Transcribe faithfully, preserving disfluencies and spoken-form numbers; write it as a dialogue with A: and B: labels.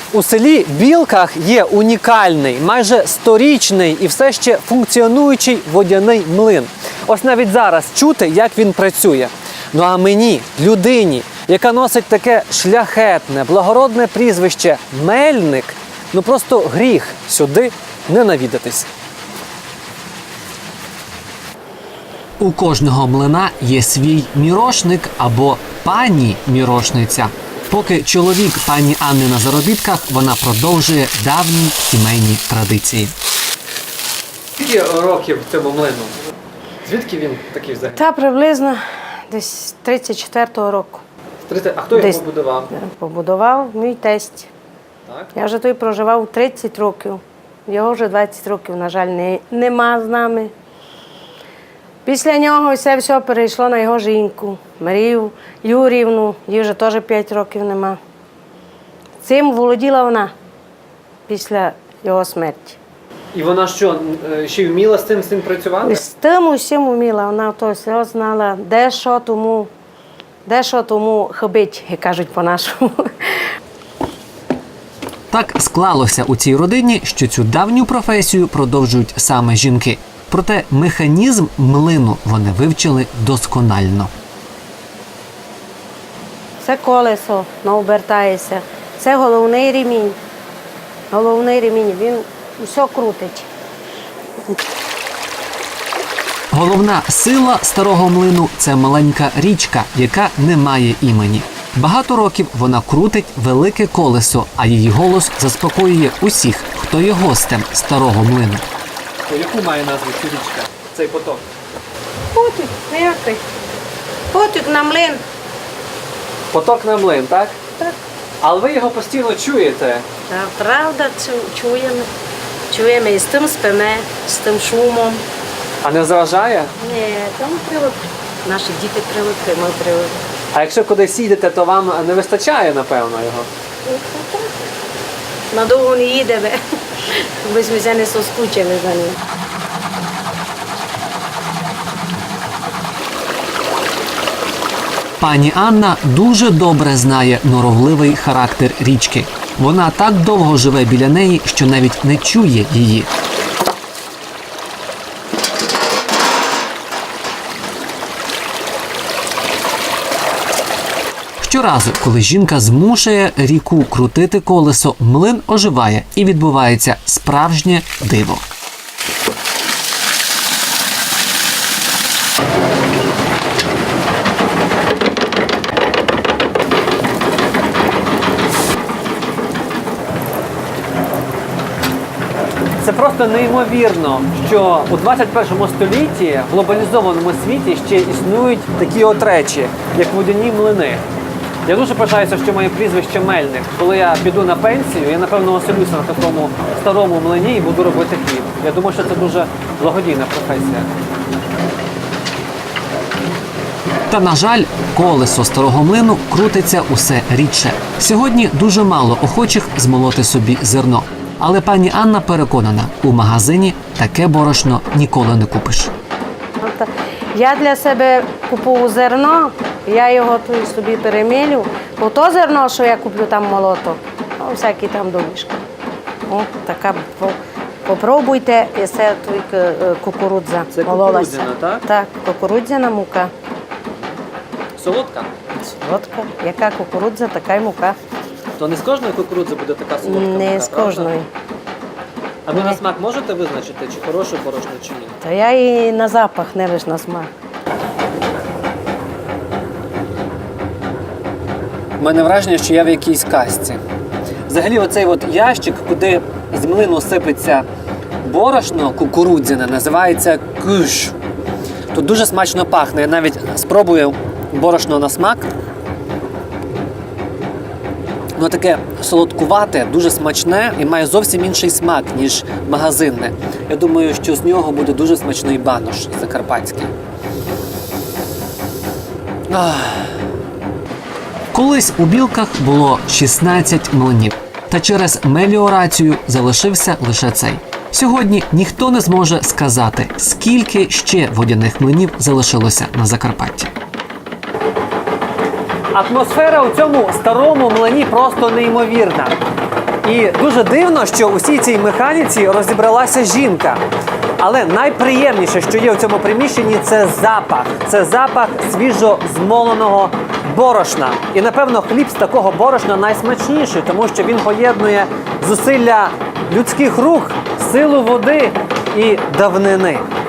A: У селі Білках є унікальний, майже сторічний і все ще функціонуючий водяний млин. Ось навіть зараз чути, як він працює. Ну а мені, людині, яка носить таке шляхетне, благородне прізвище Мельник, ну просто гріх сюди не навідатись. У кожного млина є свій мірошник або пані-мірошниця. Поки чоловік пані Анни на заробітках, вона продовжує давні сімейні традиції. Скільки років цьому млину? Звідки він такий взагалі?
B: Та приблизно десь тридцять четвертого року.
A: А хто його
B: Десь.
A: побудував?
B: Побудував мій тесть.
A: Так.
B: Я вже той проживав тридцять років. Його вже двадцять років, на жаль, не, нема з нами. Після нього все, все перейшло на його жінку, Марію Юрівну, їй вже теж п'ять років нема. Цим володіла вона після його смерті.
A: І вона що, ще й вміла з цим, з цим працювати?
B: З тим усім вміла, вона то все знала, де що тому, де що тому хибить, як кажуть по-нашому.
A: Так склалося у цій родині, що цю давню професію продовжують саме жінки. Проте механізм млину вони вивчили досконально.
B: Це колесо, воно обертається. Це головний ремінь. Головний ремінь, він все крутить.
A: Головна сила старого млину – це маленька річка, яка не має імені. Багато років вона крутить велике колесо, а її голос заспокоює усіх, хто є гостем старого млину. Яку має назву ця річка, цей поток?
B: Потік, ніякий. Потік на млин.
A: Поток на млин, так?
B: Так.
A: Але ви його постійно чуєте.
B: Та, правда, чу- чуємо. Чуємо і з тим спиме, з тим шумом.
A: А не заважає?
B: Ні, там привик. Наші діти привикли, ми привикли.
A: А якщо кудись їдете, то вам не вистачає, напевно, його?
B: Надовго не їдемо, бо ми вже не соскучили за ним.
A: Пані Анна дуже добре знає норовливий характер річки. Вона так довго живе біля неї, що навіть не чує її. Щоразу, коли жінка змушує ріку крутити колесо, млин оживає і відбувається справжнє диво. Це просто неймовірно, що у двадцять першому столітті в глобалізованому світі ще існують такі от речі, як водяні млини. Я дуже пишаюся, що моє прізвище Мельник. Коли я піду на пенсію, я, напевно, оселюся на такому старому млині і буду робити хліб. Я думаю, що це дуже благодійна професія. Та, на жаль, колесо старого млину крутиться усе рідше. Сьогодні дуже мало охочих змолоти собі зерно. Але пані Анна переконана, у магазині таке борошно ніколи не купиш.
B: От, я для себе купую зерно, я його тут собі перемілю. Бо то зерно, що я куплю там молото, ну, всякі там домішки. О, така, попробуйте, і це тут кукурудза.
A: Це
B: мололася.
A: кукурудзяна, так?
B: Так, кукурудзяна мука.
A: Солодка?
B: Солодка. Яка кукурудза, така й мука.
A: То не з кожної кукурудзи буде така солодка
B: Не
A: мука,
B: з
A: правда?
B: кожної.
A: А ви на смак можете визначити, чи хороше борошно, чи ні?
B: Та я і на запах, не лише на смак.
A: У мене враження, що я в якійсь казці. Взагалі оцей от ящик, куди з млину сипеться борошно кукурудзяне, називається куш. Тут дуже смачно пахне. Я навіть спробую борошно на смак. Воно таке солодкувате, дуже смачне і має зовсім інший смак, ніж магазинне. Я думаю, що з нього буде дуже смачний банош закарпатський. Ах. Колись у Білках було шістнадцять млинів, та через меліорацію залишився лише цей. Сьогодні ніхто не зможе сказати, скільки ще водяних млинів залишилося на Закарпатті. Атмосфера у цьому старому млині просто неймовірна. І дуже дивно, що у всій цій механіці розібралася жінка. Але найприємніше, що є у цьому приміщенні, це запах. Це запах свіжо змоленого борошна. І, напевно, хліб з такого борошна найсмачніший, тому що він поєднує зусилля людських рук, силу води і давнини.